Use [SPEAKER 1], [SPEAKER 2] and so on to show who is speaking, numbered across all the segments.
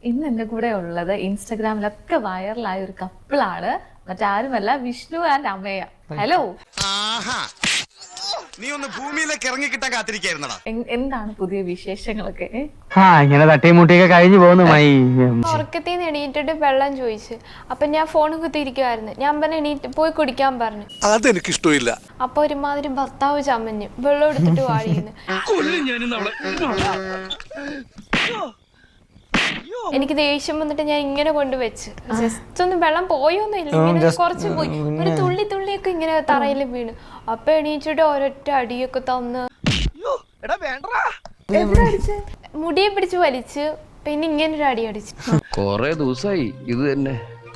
[SPEAKER 1] ഇന്ന് എൻ്റെ കൂടെ ഉള്ളത് ഇൻസ്റ്റഗ്രാമിലൊക്കെ വൈറലായ ഒരു കപ്പിളാണ്. മറ്റാരുമല്ല, വിഷ്ണു ആൻഡ് അമ്മയ. ഹലോ,
[SPEAKER 2] നീ ഒന്ന് ഭൂമിയിലേക്ക് ഇറങ്ങി കിട്ടാൻ കാത്തിരിക്കായിരുന്നടാ.
[SPEAKER 1] എന്താണ് പുതിയ വിശേഷങ്ങളൊക്കെ?
[SPEAKER 3] ഇങ്ങനെ തട്ടിമുട്ടിയൊക്കെ കഴിഞ്ഞു പോകുന്നു.
[SPEAKER 4] ഉറക്കത്തിൽ നിന്ന് എണീറ്റിട്ട് വെള്ളം ചോദിച്ചു. അപ്പൊ ഞാൻ ഫോൺ കുത്തിയിരിക്കുവായിരുന്നു. ഞാൻ പറഞ്ഞു എണീറ്റ് പോയി കുടിക്കാൻ പറഞ്ഞു.
[SPEAKER 2] അതെനിക്ക് ഇഷ്ടമില്ല.
[SPEAKER 4] അപ്പൊ ഒരുമാതിരി ഭർത്താവ് ചമ്മഞ്ഞു വെള്ളം എടുത്തിട്ട് വാഴിയുന്നു. എനിക്ക് ദേഷ്യം വന്നിട്ട് ഞാൻ ഇങ്ങനെ കൊണ്ടുവച്ച് ജസ്റ്റ് ഒന്ന് വെള്ളം പോയൊന്നുമില്ല, ഇങ്ങനെ കുറച്ച് പോയി, ഒരു തുള്ളി തുള്ളിയൊക്കെ ഇങ്ങനെ തറയിൽ വീണു. അപ്പൊ എണീച്ചിട്ട് ഒരൊറ്റ അടിയൊക്കെ തന്ന് മുടിയെ പിടിച്ച് വലിച്ച്, പിന്നെ ഇങ്ങനെ ഒരു അടി അടിച്ചു.
[SPEAKER 5] കൊറേ ദിവസമായി ഇത് തന്നെ.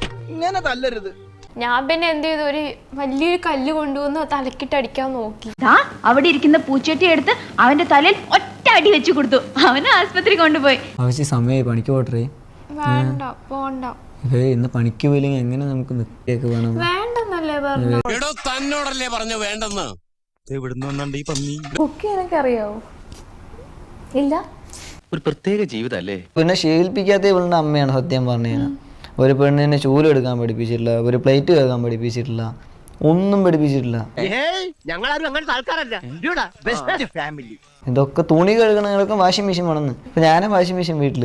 [SPEAKER 4] ഞാൻ പിന്നെ എന്ത് ചെയ്തു, ഒരു വലിയൊരു കല്ല് കൊണ്ടുവന്ന് തലക്കിട്ട് അടിക്കാൻ നോക്കി.
[SPEAKER 6] അവിടെ ഇരിക്കുന്ന പൂച്ചട്ടി എടുത്ത് അവന്റെ തലയിൽ ഒറ്റ അടി വെച്ചു കൊടുത്തു. അവനെ ആസ്പത്രി കൊണ്ടുപോയി.
[SPEAKER 7] സമയമായി പണിക്ക് പോട്ടേ.
[SPEAKER 4] വേണ്ട പോണ്ട,
[SPEAKER 7] ഇന്ന് പണിക്ക് പോയില്ലെങ്കിൽ എങ്ങനെ നമുക്ക് നിൽക്കിയൊക്കെ വേണം?
[SPEAKER 4] വേണ്ടെന്നല്ലേ പറഞ്ഞു.
[SPEAKER 5] തന്നോടല്ലേ പറഞ്ഞു വേണ്ടെന്ന്.
[SPEAKER 1] കുക്ക് ചെയ്യാനൊക്കെ അറിയാവോ? ഇല്ല.
[SPEAKER 5] ഒരു പ്രത്യേക ജീവിതല്ലേ.
[SPEAKER 7] പിന്നെ ശീലിപ്പിക്കാത്ത ഇവളുടെ അമ്മയാണ് സത്യം പറഞ്ഞു കഴിഞ്ഞാൽ. ഒരു പെണ്ണിനെ ചൂലെടുക്കാൻ പഠിപ്പിച്ചിട്ടില്ല, ഒരു പ്ലേറ്റ് കേൾക്കാൻ പഠിപ്പിച്ചിട്ടില്ല, ഒന്നും പഠിപ്പിച്ചിട്ടില്ല. ഇതൊക്കെ തുണി കഴുകണങ്ങളൊക്കെ വാഷിംഗ് മെഷീൻ വേണമെന്ന്. ഇപ്പൊ ഞാനാ വാഷിംഗ് മെഷീൻ വീട്ടില്.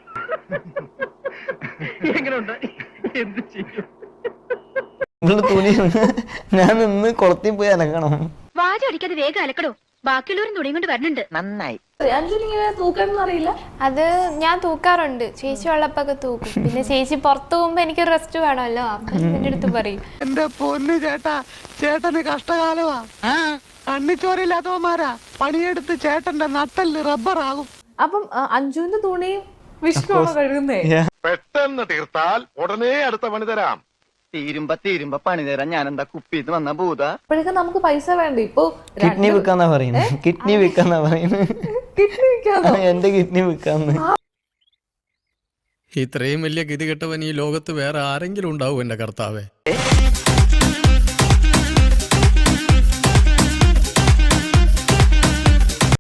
[SPEAKER 7] ഇവള് തുണി ഞാൻ നിന്ന് കുളത്തിൽ പോയി അലക്കണം.
[SPEAKER 6] വാചടിക്കാതെ വേഗം അലക്കടോ, ബാക്കിയുള്ളവരും തുണിയും കൊണ്ട് വരണുണ്ട്. നന്നായി.
[SPEAKER 1] തൂക്കാനൊന്നും അറിയില്ല.
[SPEAKER 4] അത് ഞാൻ തൂക്കാറുണ്ട്. ചേച്ചി ഉള്ളപ്പൊക്കെ തൂക്കും. പിന്നെ ചേച്ചി പുറത്തു പോകുമ്പോ എനിക്ക് റെസ്റ്റ് വേണമല്ലോ, അപ്പൊ എന്റെ അടുത്ത് പറയും.
[SPEAKER 3] എന്റെ പൊന്നു ചേട്ടാ, ചേട്ടന് കഷ്ടകാലമാ. കണ്ണിച്ചോരില്ലാത്തവന്മാരാ പണിയെടുത്ത് ചേട്ടന്റെ നട്ടല് റബ്ബറാകും.
[SPEAKER 1] അപ്പം അഞ്ജുവിന്റെ തുണിയും വിഷ്ണു കഴുകുന്നേ?
[SPEAKER 2] പെട്ടെന്ന് തീർത്താൽ ഉടനെ അടുത്ത പണി തരാം.
[SPEAKER 8] തീരുമ്പോ പണി തരാൻ ഞാൻ എന്താ കുപ്പിന്ന് വന്ന ഭൂത.
[SPEAKER 1] അപ്പോഴേക്കും നമുക്ക് പൈസ വേണ്ട. ഇപ്പൊ
[SPEAKER 7] കിഡ്നി വിൽക്കാന്നാ പറയുന്നത്. കിഡ്നി വിൽക്കാന്നാ പറയുന്നത്.
[SPEAKER 1] കിഡ്നി വിൽക്കാനോ?
[SPEAKER 7] എന്റെ കിഡ്നി വിൽക്കാന്ന്.
[SPEAKER 9] ഇത്രയും വലിയ ഗതികെട്ടവൻ ഈ ലോകത്ത് വേറെ ആരെങ്കിലും ഉണ്ടാവും എന്റെ കർത്താവേ?